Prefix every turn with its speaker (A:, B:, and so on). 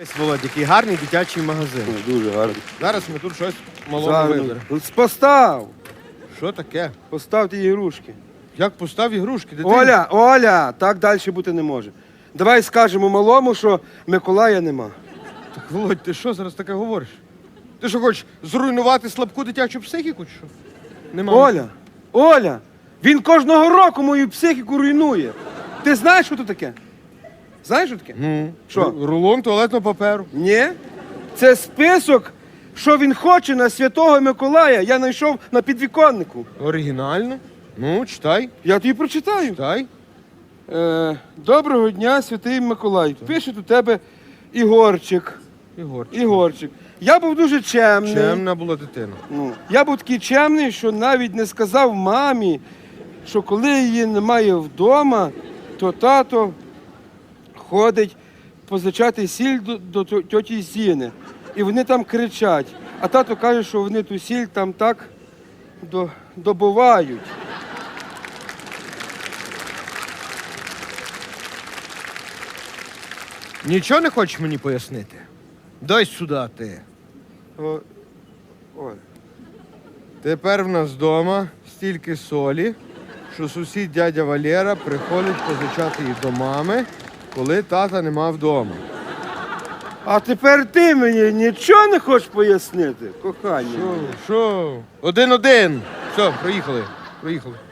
A: Володь, який гарний дитячий магазин.
B: Дуже гарно.
A: Зараз ми тут щось малого виберемо.
B: Постав!
A: Що таке?
B: Постав ті ігрушки.
A: Як постав ігрушки, дитині?
B: Оля, так далі бути не може. Давай скажемо малому, що Миколая нема.
A: Так, Володь, ти що зараз таке говориш? Ти що хочеш зруйнувати слабку дитячу психіку, чи що? Нема.
B: Оля, він кожного року мою психіку руйнує. Ти знаєш, що це таке? Знаєш, що таке? Що?
A: Рулон туалетного паперу.
B: Ні. Це список, що він хоче на Святого Миколая. Я знайшов на підвіконнику.
A: Оригінально? Ну, читай,
B: Я тобі прочитаю.
A: читай.
B: Доброго дня, Святий Миколай. Пише у тебе Ігорчик. Ігорчик. Я був дуже чемний.
A: Чемна була дитина.
B: Я був такий чемний, що навіть не сказав мамі, що коли її немає вдома, то тато ходить позичати сіль до тьоті Зіни. І вони там кричать. А тато каже, що вони ту сіль там так добувають.
A: Нічого не хочеш мені пояснити? Дай сюди ти.
B: Ой.
A: Тепер в нас вдома стільки солі, що сусід дядя Валера приходить позичати її до мами, коли тата нема вдома.
B: А тепер ти мені нічого не хочеш пояснити, кохання?
A: Що? 1-1. Все, проїхали.